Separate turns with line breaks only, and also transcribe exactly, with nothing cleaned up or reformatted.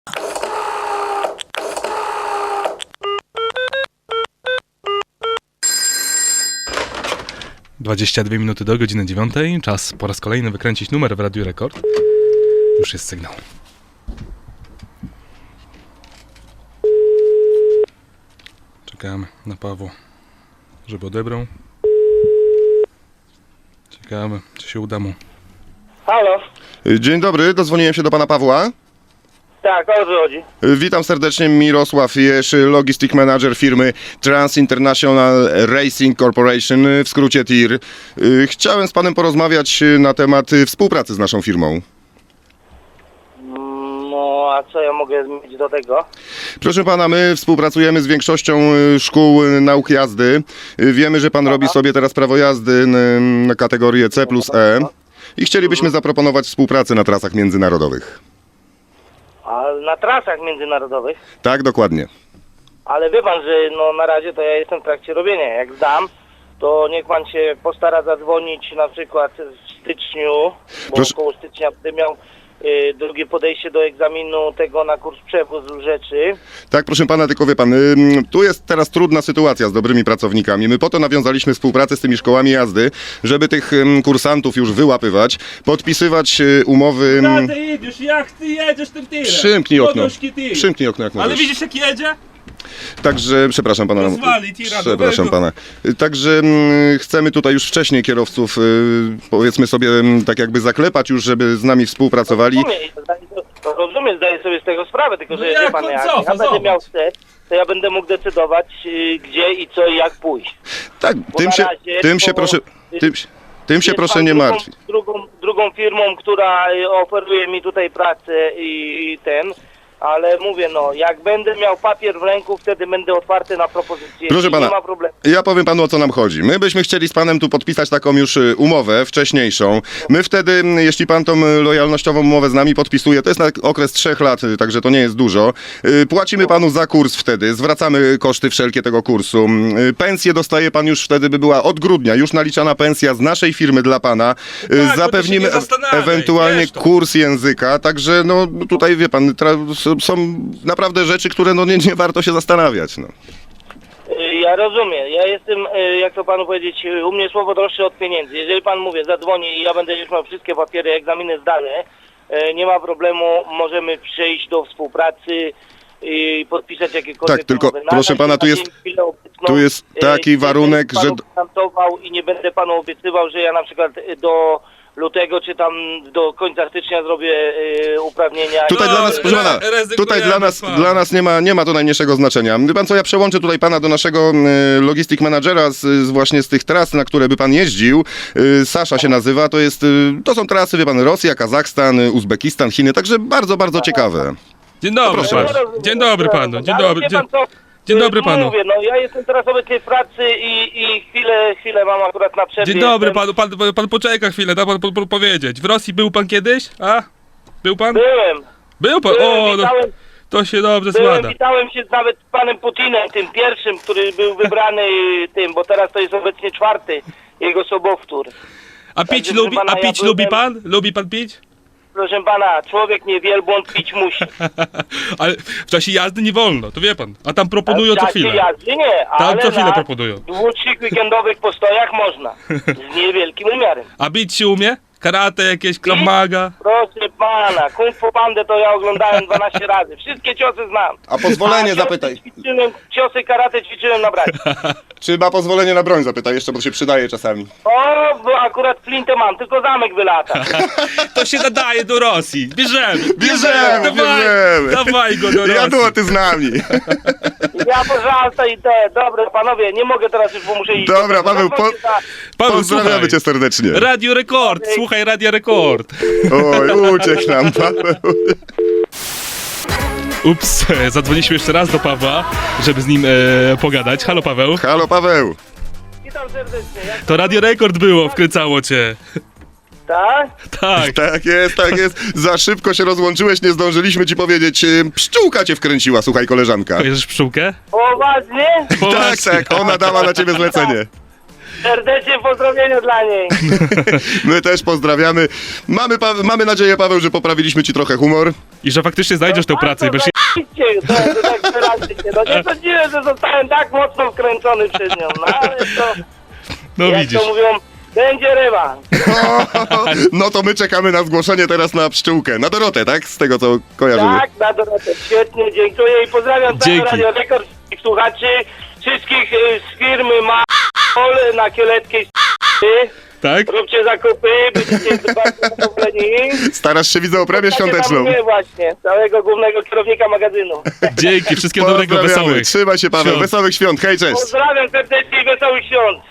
dwadzieścia dwie minuty do godziny dziewiątej. Czas po raz kolejny wykręcić numer w Radiu Rekord. Już jest sygnał. Czekamy na Pawła, żeby odebrał. Ciekawe, czy się uda mu.
Halo?
Dzień dobry, dozwoniłem się do pana Pawła.
Tak, o co chodzi?
Witam serdecznie, Mirosław Jesz, Logistic Manager firmy Trans International Racing Corporation, w skrócie T I R. Chciałem z panem porozmawiać na temat współpracy z naszą firmą.
No, a co ja mogę mieć do tego?
Proszę pana, my współpracujemy z większością szkół nauk jazdy. Wiemy, że pan robi sobie teraz prawo jazdy na kategorię C plus E i chcielibyśmy zaproponować współpracę na trasach międzynarodowych.
A na trasach międzynarodowych?
Tak, dokładnie.
Ale wie pan, że no na razie to ja jestem w trakcie robienia. Jak zdam, to niech pan się postara zadzwonić na przykład w styczniu, bo
Proszę...
około stycznia będę miał y, drugie podejście do egzaminu tego na kurs przewozu rzeczy.
Tak, proszę pana, tylko wie pan, y, tu jest teraz trudna sytuacja z dobrymi pracownikami. My po to nawiązaliśmy współpracę z tymi szkołami jazdy, żeby tych y, kursantów już wyłapywać, podpisywać y, umowy...
No ty jedziesz, jak ty jedziesz tym tirem?
Przymknij okno,
Poduszki ty.
przymknij okno jak
Ale
możesz.
widzisz jak jedzie?
Także, przepraszam pana.
Rozwali tira
Przepraszam
nowego.
pana. Także mm, chcemy tutaj już wcześniej kierowców, y, powiedzmy sobie, mm, tak jakby zaklepać już, żeby z nami współpracowali.
Rozumiem, zdaję, to rozumiem, zdaję sobie z tego sprawę, tylko że
No jak
wie pan,
on
jak
cofa,
ja będę
zobacz.
miał chce, to ja będę mógł decydować y, gdzie i co i jak pójść.
Tak,
Bo
tym
na
się,
razie
tym się
to-
proszę, tym, się- tym się
Jest
proszę
pan
nie
drugą,
martwić.
Drugą, drugą firmą, która y, oferuje mi tutaj pracę i, i ten, ale mówię, no, jak będę miał papier w ręku, wtedy będę otwarty na propozycje.
Proszę
I
pana,
nie ma problemu.
Ja powiem panu, o co nam chodzi. My byśmy chcieli z panem tu podpisać taką już y, umowę wcześniejszą. My wtedy, m, jeśli pan tą y, lojalnościową umowę z nami podpisuje, to jest na okres trzech lat, y, także to nie jest dużo. Y, Płacimy panu za kurs wtedy, zwracamy koszty wszelkie tego kursu. Y, Pensję dostaje pan już wtedy, by była od grudnia, już naliczana pensja z naszej firmy dla pana. Y,
Tak, bo ty się
Zapewnimy
nie zastanawiaj,
ewentualnie
wiesz to.
kurs języka, także no tutaj wie pan, tra- s- są naprawdę rzeczy, które no nie, nie warto się zastanawiać. No.
Y, Ja rozumiem, ja jestem, y, jak to panu powiedzieć, y, u mnie słowo droższe od pieniędzy. Jeżeli pan, mówię, zadzwoni i ja będę już miał wszystkie papiery, egzaminy zdane, y, nie ma problemu, możemy przejść do współpracy i podpisać jakiekolwiek
Tak, tylko
umowy. Na
proszę
razie,
pana,
na
tu jest-
dzień chwilę obecną,
tu jest
y,
taki
nie
warunek,
będę panu
że-
gwarantował i nie będę panu obiecywał, że ja na przykład y, do lutego czy tam do końca stycznia zrobię y, uprawnienia.
Tutaj
I-
dla nas, proszę pana,
rezygnujemy,
tutaj dla nas,
pan.
dla nas nie ma, nie ma to najmniejszego znaczenia. Wie pan co, ja przełączę tutaj pana do naszego y, logistic managera z, z właśnie z tych tras, na które by pan jeździł. Y, Sasza się nazywa, to jest, y, to są trasy, wie pan, Rosja, Kazachstan, y, Uzbekistan, Chiny, także bardzo, bardzo ciekawe.
Dzień dobry
proszę
panu.
bardzo.
Dzień dobry panu. Dzień
Ale
dobry.
wie
Dzień,
pan co?
dzień dobry
Y,
panu.
Mówię, no ja jestem teraz obecnie w pracy i, i chwilę, chwilę mam akurat na przerwie.
dzień dobry
jestem.
panu. Pan, pan poczeka chwilę, da pan po, po, powiedzieć. W Rosji był pan kiedyś? A? Był pan?
Byłem,
Był pan?
byłem,
O, no,
witałem,
to się dobrze
byłem,
składa.
witałem się nawet z panem Putinem, tym pierwszym, który był wybrany tym, bo teraz to jest obecnie czwarty jego sobowtór.
A pić
Także,
lubi,
pana,
a
ja
pić
byłem-
lubi pan? Lubi pan pić?
Proszę pana, człowiek nie wielbłąd pić musi.
Ale w czasie jazdy nie wolno, to wie pan. A tam proponują
W
co
czasie
chwilę.
jazdy nie, ale
co chwilę
na
proponują.
dłuższych weekendowych postojach można. Z niewielkim umiarem.
A bić się umie? Karate jakieś, Krav Maga?
Proszę pana, Kung Fu Pandę to ja oglądałem dwanaście razy. Wszystkie ciosy znam.
A pozwolenie
ciosy
zapytaj.
Ćwiczyłem, ciosy karate ćwiczyłem na braci.
Czy ma pozwolenie na broń, zapytaj jeszcze, bo to się przydaje czasami.
O, bo akurat flintę mam, tylko zamek wylata.
To się nadaje do Rosji. Bierzemy.
Bierzemy,
dawaj,
bierzemy.
Dawaj go do Rosji.
Jadłoty z nami.
Ja pożalta i te, dobra panowie, nie mogę teraz już, bo muszę iść.
Dobra, Paweł, po-
Zadzwońcie za-
Paweł,
Pozdrawiamy
słuchaj.
cię serdecznie.
Radio Rekord, słuchaj Radio Rekord.
Oj, uciekł nam Paweł.
Ups, zadzwoniliśmy jeszcze raz do Pawła, żeby z nim e, pogadać. Halo Paweł.
Halo Paweł.
Witam serdecznie. Jak...
To Radio Rekord było, wkręcało cię.
Tak?
Tak.
Tak jest, tak jest. Za szybko się rozłączyłeś, nie zdążyliśmy ci powiedzieć. Ym, Pszczółka cię wkręciła, słuchaj koleżanka.
Kojarzysz pszczółkę?
Poważnie?
Tak, tak, ona dała na ciebie zlecenie.
Serdecznie pozdrowienia dla niej.
My też pozdrawiamy. Mamy, pa- mamy nadzieję, Paweł, że poprawiliśmy ci trochę humor.
I że faktycznie znajdziesz tę pracę, bo się...
Zajebiście, to, to tak wyraźnie. No nie sądziłem, że zostałem tak mocno wkręcony przez nią, no ale to,
No
jak
widzisz.
to mówią, będzie ryba.
No to my czekamy na zgłoszenie teraz na pszczółkę. Na Dorotę, tak? Z tego, co kojarzymy.
Tak, na Dorotę, świetnie, dziękuję i pozdrawiam całe
Dzięki.
Radio Rekord, wszystkich słuchaczy, wszystkich y, z firmy Ma na Kieleckiej
Tak?
Róbcie zakupy, będziecie bardzo zadowoleni.
Starasz się, widzę, o premię świąteczną.
Nie właśnie, całego głównego kierownika magazynu.
Dzięki, wszystkiego dobrego,
Pozdrawiamy.
wesołych.
Trzymaj się, Paweł.
Świąt.
Wesołych świąt. Hej, cześć.
Pozdrawiam serdecznie i wesołych świąt.